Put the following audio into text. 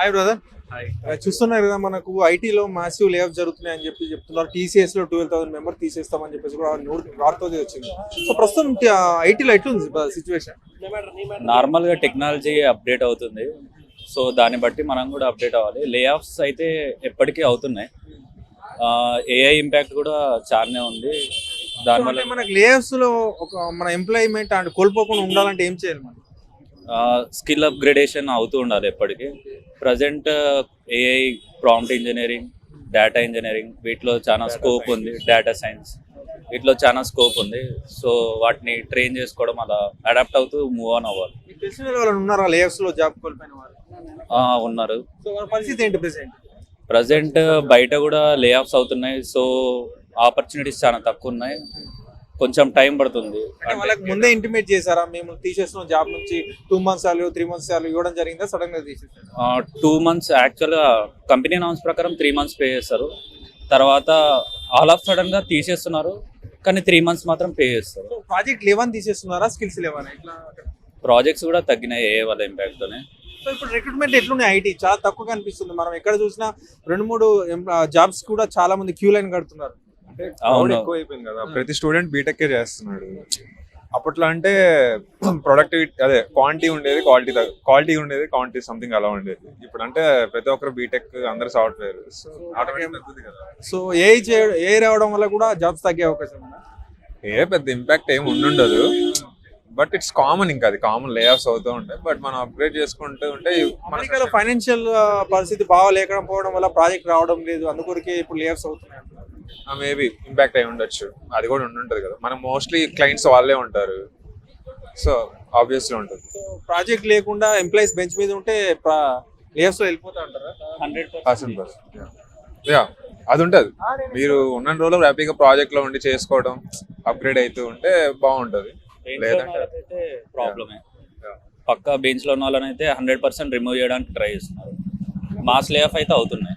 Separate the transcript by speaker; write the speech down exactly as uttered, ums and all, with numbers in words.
Speaker 1: Hi brother.
Speaker 2: Hi.
Speaker 1: చూస్తున్నారు కదా, మనకు ఐటీలో మాసివ్ లే ఆఫ్ జరుగుతున్నాయి అని చెప్పి చెప్తున్నారు. టీసీఎస్ లో ట్వెల్వ్ థౌసండ్ మెంబర్ తీసేస్తామని చెప్పేసి కూడా వార్త వచ్చింది. సో ప్రస్తుతం ఐటీలో ఎట్లుంది సిచ్యువేషన్?
Speaker 2: నార్మల్ గా టెక్నాలజీ అప్డేట్ అవుతుంది, సో దాన్ని బట్టి మనం కూడా అప్డేట్ అవ్వాలి. లే ఆఫ్స్ అయితే ఎప్పటికీ అవుతున్నాయి. ఏఐ ఇంపాక్ట్ కూడా చాలానే ఉంది. దానివల్ల
Speaker 1: మనకు లే ఆఫ్స్ లో ఒక మన ఎంప్లాయ్మెంట్ అండ్ కోల్పోకుండా ఉండాలంటే ఏం చేయాలి మనం?
Speaker 2: స్కిల్ అప్గ్రేడేషన్ అవుతూ ఉండాలి ఎప్పటికీ. Present AI, prompt engineering, data engineering వీటిలో చాలా స్కోప్ ఉంది. డేటా సైన్స్ వీటిలో చాలా స్కోప్ ఉంది. సో వాటిని ట్రైన్ చేసుకోవడం, అలా అడాప్ట్ అవుతూ మూవ్ ఆన్ అవ్వాలి.
Speaker 1: మీకు తెలిసిన వాళ్ళు ఉన్నారా లే ఆఫ్స్ లో జాబ్ కోల్పోయిన వాళ్ళు?
Speaker 2: ఆ, ఉన్నారు.
Speaker 1: సో వాళ్ళ పరిస్థితి ఏంటి ప్రెసెంట్?
Speaker 2: ప్రజెంట్ బయట కూడా లే ఆఫ్స్ అవుతున్నాయి. సో ఆపర్చునిటీస్ చాలా తక్కువ ఉన్నాయి. కొంచెం టైం పడుతుంది.
Speaker 1: అంటే వాళ్ళకి ముందే ఇంటిమేట్ చేశారా, మేము తీసేస్తున్నాం జాబ్ నుంచి, టూ మంత్స్ సార్లు త్రీ మంత్స్ సార్లు ఇవ్వడం జరిగిందా, సడన్ గా తీసేసారు?
Speaker 2: టూ మంత్స్ యాక్చువల్గా కంపెనీ అనౌన్స్ ప్రకారం త్రీ మంత్స్ పే చేస్తారు. తర్వాత ఆల్ ఆఫ్ సడన్ గా తీసేస్తున్నారు, కానీ త్రీ మంత్స్ మాత్రం పే చేస్తారు.
Speaker 1: ప్రాజెక్ట్ లెవెన్ తీసేస్తున్నారా, స్కిల్స్ లెవెన్ ఇట్లా?
Speaker 2: ప్రాజెక్ట్స్ కూడా తగ్గినాయి ఏ వాళ్ళ ఇంపాక్ట్ తోనే.
Speaker 1: సో ఇప్పుడు రిక్రూట్మెంట్ ఎట్లున్నాయి? ఐటీ చాలా తక్కువ కనిపిస్తుంది. మనం ఎక్కడ చూసినా రెండు మూడు జాబ్స్ కూడా చాలా మంది క్యూ లైన్ కడుతున్నారు.
Speaker 2: అవును.
Speaker 3: ఎక్కువ అయిపోయింది కదా, ప్రతి స్టూడెంట్ బీటెక్ చేస్తున్నాడు. అప్పట్లో అంటే ప్రొడక్టివిటీ అదే క్వాంటిటీ ఉండేది, క్వాలిటీ క్వాలిటీ ఉండేది, క్వాంటిటీ సంథింగ్ అలా ఉండేది. ఇప్పుడు అంటే ప్రతి ఒక్కరు బీటెక్, అందరు సాఫ్ట్వేర్. సో ఆటోమేటిక్ తగ్గుతుంది కదా.
Speaker 1: సో ఏ చేయడం ఏ రావడం వల్ల కూడా జాబ్స్ తగ్గే అవకాశం ఉందా?
Speaker 3: ఏ పెద్ద ఇంపాక్ట్ ఏమి ఉండుండదు, బట్ ఇట్స్ కామన్. ఇంకా అది కామన్, లే ఆఫ్స్ అవుతూ ఉంటాయి. బట్ మనం అప్గ్రేడ్ చేసుకుంటూ ఉంటే
Speaker 1: అమెరికాలో ఫైనాన్షియల్ పరిస్థితి బాగా లేకపోవడం వల్ల ప్రాజెక్ట్ రావడం లేదు, అందుకొరకే ఇప్పుడు లే ఆఫ్స్ అవుతున్నాయి.
Speaker 3: మేబీ ఇంపాక్ట్ అయి ఉండొచ్చు, అది కూడా ఉండుంటది కదా. మనం మోస్ట్లీ క్లయింట్స్ వాళ్ళే ఉంటారు, సో ఆబ్వియస్లీ ఉంటుంది.
Speaker 1: సో ప్రాజెక్ట్ లేకుండా ఎంప్లాయీస్ బెంచ్ మీద ఉంటే లే ఆఫ్స్ వెళ్ళిపోతా ఉంటారా?
Speaker 2: హండ్రెడ్
Speaker 3: పర్సెంట్ పర్సెంట్ యా అది ఉంటుంది. మీరు ఉన్న రోజులు హ్యాపీగా ప్రాజెక్ట్ లో ఉండి చేసుకోవడం, అప్గ్రేడ్ అవుతూ ఉంటే బాగుంటది. లేదంటే
Speaker 2: ప్రాబ్లమే. పక్క బెంచ్ లో ఉన్న వాళ్ళని అయితే హండ్రెడ్ పర్సెంట్ రిమూవ్ చేయడానికి ట్రై చేస్తున్నారు. మాస్ లే ఆఫ్ అయితే అవుతున్నాయి.